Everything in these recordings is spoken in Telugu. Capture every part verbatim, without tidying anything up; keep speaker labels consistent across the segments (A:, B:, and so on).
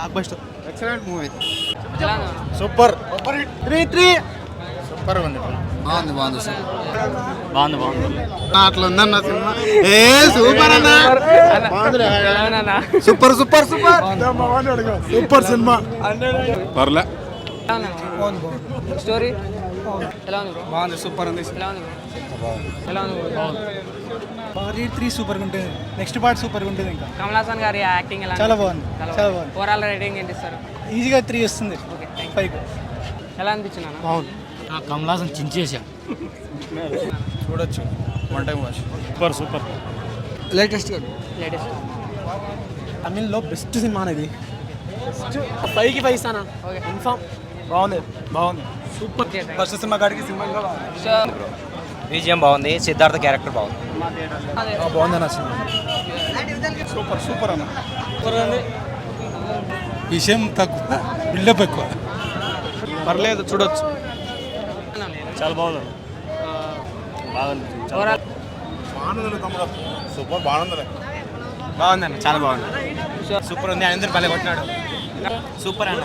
A: Black blockbuster.
B: Excellent movie.
A: Super three three
B: super ఉంది.
C: బాగుంది బాగుంది సార్.
A: బాగుంది బాగుంది.
B: అట్లా ఉందన్న సినిమా. ఏ సూపర్ అన్న. సూపర్ సూపర్ సూపర్ సూపర్ సినిమా.
A: పర్లే.
D: స్టోరీ ఎలా ఉంది బ్రో?
C: బాగుంది సూపర్ ఉంది.
D: ఎలా ఉంది బ్రో? ఎలా ఉంది బ్రో?
E: భారీ త్రీ సూపర్గా ఉంటుంది. నెక్స్ట్ పార్ట్ సూపర్గా ఉంటుంది. ఇంకా
D: కమల్ హాసన్ గారి యాక్టింగ్ ఎలా
E: చాలా బాగుంది. చాలా బాగుంది.
D: ఓవరాల్ రేటింగ్ ఏంటి ఇస్తారు?
E: ఈజీగా త్రీ వస్తుంది. ఫైవ్.
D: ఎలా అనిపించింది అన్న?
E: బాగుంది.
C: కమల్ హాసన్ చించేసా.
B: చూడొచ్చు one time watch.
A: Super super.
C: Latest
D: latest
E: తమిళ్లో బెస్ట్ సినిమా అనేది. ఫైవ్కి ఫైవ్ ఇస్తానా?
D: Okay
E: confirm. బాగుంది బాగుంది.
D: సూపర్.
E: ఫస్ట్ సినిమా కాడికి సినిమా
D: సో
F: బీజిఎం బాగుంది. సిద్ధార్థ క్యారెక్టర్ బాగుంది.
D: అదే
E: బాగుంది అన్న సినిమా.
B: సూపర్ సూపర్ అన్న.
E: విషయం తక్కువ, బిల్డప్ ఎక్కువ.
B: పర్లేదు చూడొచ్చు.
A: చాలా బాగుంది. బాగుంది.
D: ఓవరాల్
B: సూపర్ బాగుంది.
A: బాగుందన్న చాలా బాగుంది. సూపర్ ఉంది. అందరు భలే కొట్టినాడు. సూపర్ అన్న.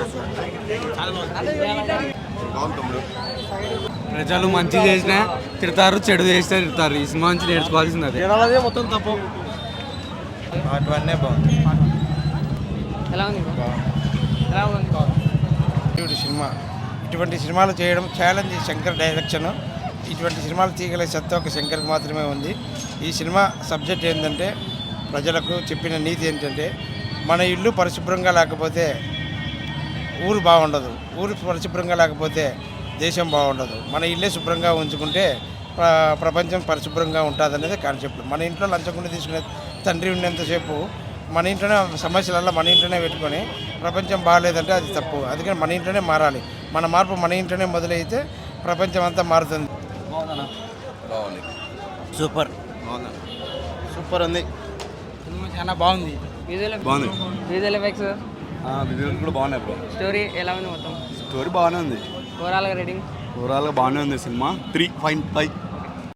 C: ప్రజలు మంచి చేసినా తిడతారు, చెడు చేసినా తిడతారు. ఈ సినిమా నుంచి నేర్చుకోవాల్సింది అదే.
B: జనాలదే మొత్తం తప్పు. అటువన్నీ బాగుంది.
D: ఎలా ఉంది బ్రో? ఎలా ఉంది?
B: ఇటువంటి సినిమా ఇటువంటి సినిమాలు చేయడం ఛాలెంజ్. శంకర్ డైరెక్షన్. ఇటువంటి సినిమాలు తీయగలిగే సత్తా ఒక శంకర్కి మాత్రమే ఉంది. ఈ సినిమా సబ్జెక్ట్ ఏంటంటే, ప్రజలకు చెప్పిన నీతి ఏంటంటే, మన ఇల్లు పరిశుభ్రంగా లేకపోతే ఊరు బాగుండదు, ఊరు పరిశుభ్రంగా లేకపోతే దేశం బాగుండదు. మన ఇల్లే శుభ్రంగా ఉంచుకుంటే ప్ర- ప్రపంచం పరిశుభ్రంగా ఉంటుంది అనేది కాన్సెప్ట్. మన ఇంట్లో లంచకుండా తీసుకునే తండ్రి ఉన్నంతసేపు మన ఇంట్లోనే సమస్యలల్లో మన ఇంట్లోనే పెట్టుకొని ప్రపంచం బాగాలేదంటే అది తప్పు. అందుకని మన ఇంట్లోనే మారాలి. మన మార్పు మన ఇంట్లోనే మొదలైతే ప్రపంచం అంతా మారుతుంది.
F: బాగుంది.
A: సూపర్.
B: సూపర్ ఉంది.
C: సినిమా చాలా బాగుంది.
D: విజువల్
A: బాగుంది.
D: విజువల్ ఎఫెక్ట్స్,
A: విజువల్స్ కూడా బాగున్నాయి బ్రో.
D: స్టోరీ ఎలా ఉంది మొత్తం?
A: స్టోరీ బాగానే ఉంది.
D: ఓవరాల్గా రేటింగ్
A: ఓవరాల్గా బాగానే ఉంది సినిమా. Three five five